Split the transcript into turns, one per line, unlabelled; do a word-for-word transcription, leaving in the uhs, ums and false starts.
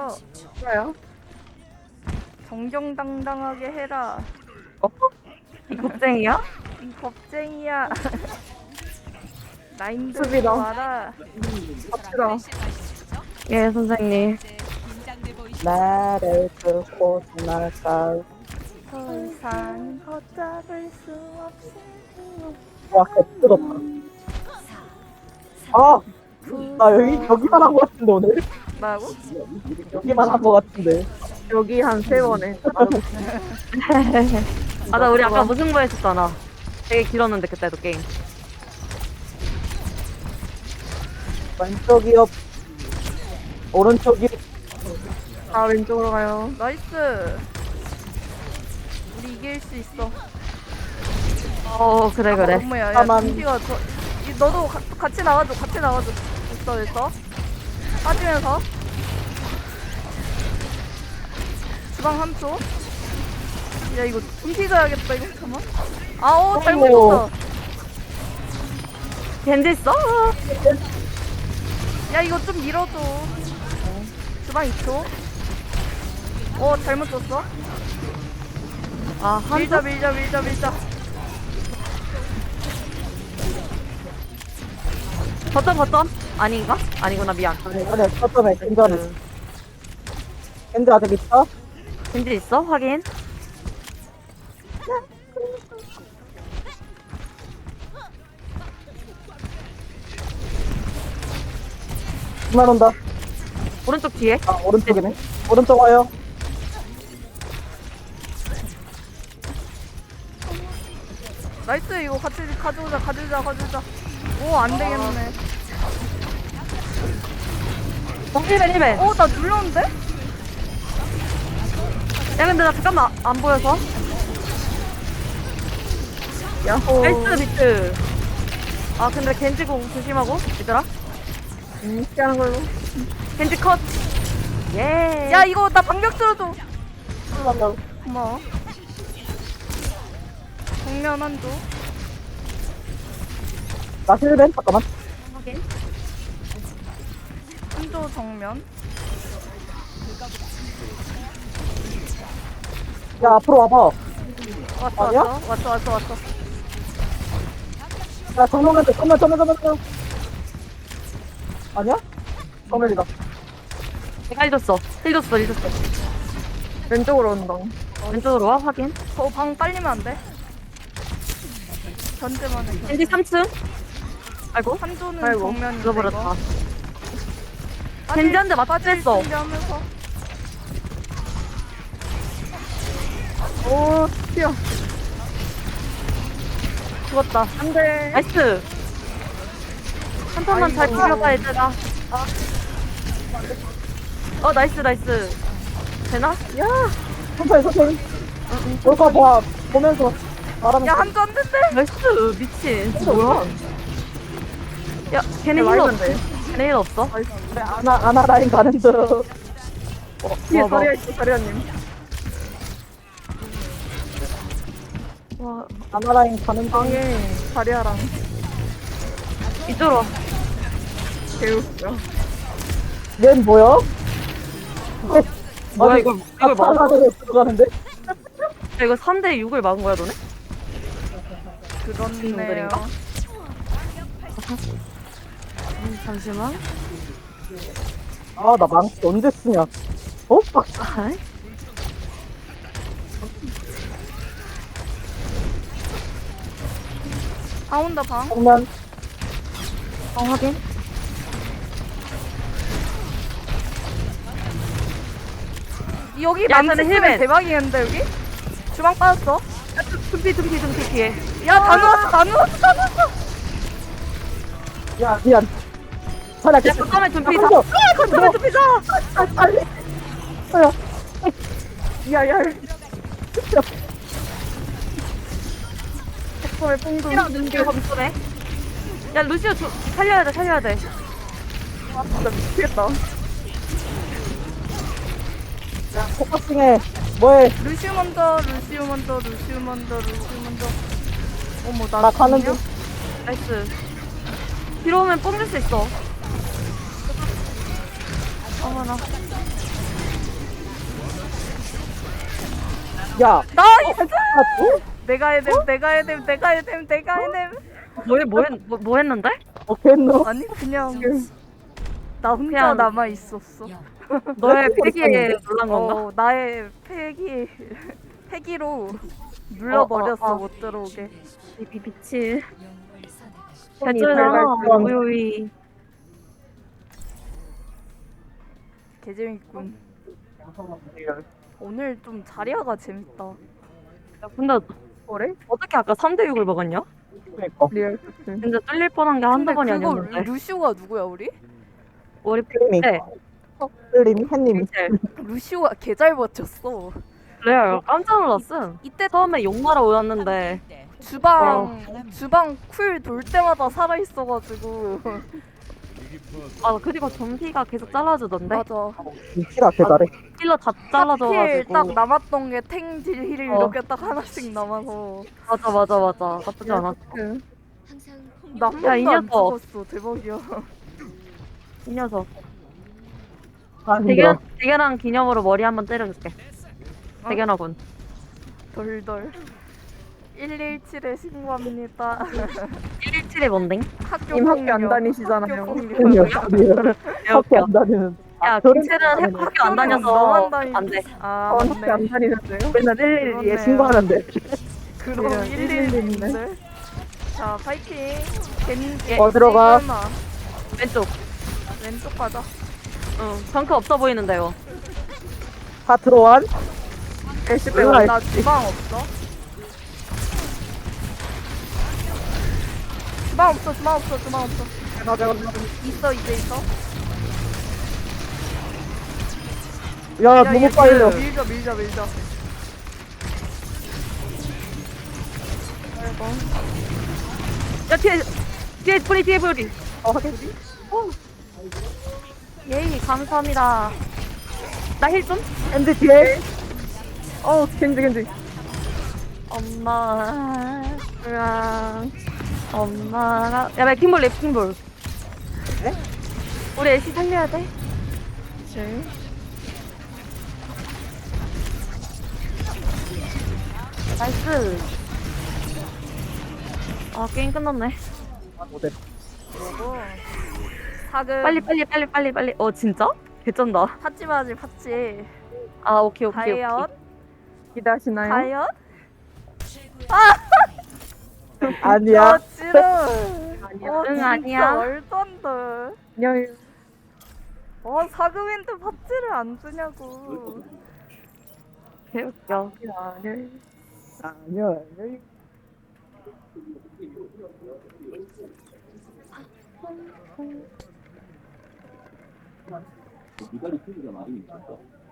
해요.
뭐야?
정정당당하게 해라.
어? 이 겁쟁이야?
이 겁쟁이야. 나인들
수비다.
와라.
갑시다. 예, 선생님. 나를 뚫고 지나갈까.
더 이상 걷잡을 수 없을
와, 개뜨겁다. 아! 나 여기, 여기만 한 것 같은데, 오늘?
뭐라고?
여기만 한 것 같은데. 여기 한 세 번에.
맞아, 우리 아까 무승부 했었잖아. 되게 길었는데, 그때도 게임.
왼쪽이요. 오른쪽이.
아 왼쪽으로 가요. 나이스. 우리 이길 수 있어.
어, 그래, 그래.
엄마야, 야,
잠깐만.
준비가 저, 이, 너도 가, 같이 나와줘, 같이 나와줘. 됐어, 됐어. 빠지면서. 주방 삼 초. 야, 이거 준비 가야겠다, 이거. 잠깐만. 아, 어, 잘못했어.
겐지 있어?
야, 이거 좀 밀어줘. 주방 이 초. 어, 잘못 줬어.
아, 한
밀자, 밀자, 밀자, 밀자.
버튼, 버튼? 아닌가? 아니구나, 미안.
아니, 아니, 첫점에 괜찮은. 겐지 아직 있어?
겐지 있어? 확인.
그만 온다.
오른쪽 뒤에.
아, 오른쪽이네. 오른쪽 와요.
나이스, 이거 같이 가져오자, 가져오자, 가져오자. 오, 안 되겠네.
어, 힐벤, 힐벤.
어, 나 눌렀는데?
야, 근데 나 잠깐만, 안 보여서.
야호.
나이스, 비트. 아, 근데 겐지공 조심하고, 얘들아.
음, 피하는 걸로.
겐지 컷. 예.
야, 이거 나 방벽 들어줘.
올라간다.
고마워. 정면 한조.
나 힐벤? 잠깐만.
확인.
한조 정면.
야, 앞으로 와봐.
왔어,
아니야?
왔어, 왔어, 왔어, 왔어.
야, 정면에, 정면, 정면, 정면, 정면. 아니야? 정면이다.
내가 해줬어. 해줬어, 해줬어.
왼쪽으로 온다.
왼쪽으로 와, 확인.
저 방 빨리면 안 돼? 견제만 해.
겐지 삼 층. 아이고.
한조는
아이고,
정면인데
잃어버렸다.
이거.
겐지 한대 맞췄어.
준비하면서.
오, 튀어.
죽었다.
안 돼.
나이스. 한 턴만 잘
아이고.
비벼봐, 얘들아. 어, 나이스, 나이스. 되나?
야, 천천히, 천천히. 올거 봐. 보면서 말하면
야, 한조 안 된대.
나이스, 미친. 뭐야? 야, 걔네 힐 없어. 걔네 힐 없어?
그래, 아나, 아나 라인 가는 중. 어, 뒤에
와, 와.
자리야 있어, 자리야님.
와,
아나 라인 가는 방에 자리야랑
이쪽으로 와.
개웃겨. 얜 뭐야?
뭐야, 이걸, 이걸 막아?
아나를 들어가는데?
야, 이거 삼 대 육을 막은 거야, 너네?
그렇네요.
친구들인가? 음, 잠시만.
아, 나 망치 언제 쓰냐? 어? 막,
아이.
방 온다, 방.
정면.
어, 확인.
여기
야,
망치
근데
쓰면
힐맨.
대박이겠는데, 여기? 주방 빠졌어.
둠피, 둠피, 둠피 뒤에.
야, 다 누웠어, 다 누웠어, 다 누웠어.
야, 미안. 자리야,
야,
계속.
잠깐만, 둠피 다.
아,
잠깐만, 둠피 다.
아, 빨리. 야, 야, 야.
왜 뽕도 눈길 검소네. 야, 루시오 주, 살려야 돼, 살려야 돼.
아, 진짜 미치겠다. 야, 포커싱해. 뭐해?
루시우 먼저, 루시우 먼저, 루시우 먼저, 루시우 먼저. 어머, 나,
나 가는
죽냐?
중.
나이스. 뒤로 오면 뽕줄 수 있어. 어머나.
야,
나이스!
아, 또?
내가 해냄, 내가 해냄, 내가 해냄, 내가 해냄.
뭐, 뭐, 했, 뭐, 뭐 했는데?
어, 겠노?
아니 그냥 나 혼자
그냥-
남아 있었어.
너의
뭐
패기에
했는데?
놀란 건가?
어, 나의 패기 패기로 눌러버렸어
어, 어, 어.
못 들어오게.
미, 미치.
손이
개쩔잖아,
발발
우유이.
개재밌군. 오늘 좀 자리아가 재밌다.
야, 근데
그래?
어떻게 아까 삼 대 육을 먹었냐?
그니까.
리얼. 진짜 뚫릴 뻔한 게 한두 번이
그거
아니었는데.
루시오가 누구야 우리?
우리
클림이.
네.
클림이, 햇님이.
미첼.
루시오가 개 잘 버텼어.
레알 깜짝 놀랐음.
이때
처음에 욕마러 오였는데
주방 주방 쿨 돌 때마다 살아 있어가지고
아 그리고 점피가 계속 잘라주던데
맞아.
위치가 개잘해.
힐러 다
힐
잘라줘가지고
딱 남았던 게 탱딜 힐
어.
이렇게 딱 하나씩 남아서
맞아 맞아 맞아 나쁘지 않았어.
나 한
야, 이
번도 안
녀석.
죽었어. 대박이야.
이 녀석
아, 힘들어.
대견 대견한 기념으로 머리 한번 때려줄게.
어?
대견하군.
덜덜. 일일칠에 신고합니다.
일일칠이 뭔데?
학교
님 학교
폭력.
안 다니시잖아요.
학교 폭력.
리얼. 학교 안 다니는.
야
저런
김채는
사람은
학- 학교 안 다녀서
너만 다니-
안돼.
아
어, 학교 안
맞네.
다니는데요? 맨날 일일이에
그렇네요.
신고하는데.
그럼
네,
일일일인데. 자 파이팅. 겐
어, 들어가.
설마.
왼쪽.
왼쪽 가자.
응. 덩크 없어 보이는데요.
다 들어와.
엘씨
빼고.
나 주방 없어. 주방 없어. 주방 없어. 주방 없어.
맞아,
있어 이제 있어.
야,
야,
너무
얘
빨려.
밀자 밀자 밀자.
야 뒤에 뒤에 뿌리 뒤에 뿌리.
어, 하긴.
예이 감사합니다. 나 힐 좀?
앤드 뒤에. 어, 겐지, 겐지.
엄마. 으랑. 엄마가. 야 레킹볼 레킹볼.
네?
우리 애쉬 살려야 돼.
네.
나이스. 아 게임 끝났네.
모델.
그리고 사금
빨리 빨리 빨리 빨리 빨리. 어 진짜? 개쩐다.
팟지 마지 팟지.
아 오케이 오케이 오케이.
과연
기대하시나요?
과연?
아니야.
아 지금.
아니야.
어,
응,
진짜
아니야.
말도 안 돼.
안녕.
어 사금인데 팟지를 안 주냐고.
개웃겨.
아니야. 아니야.
이달이 크기가 많이 있었어.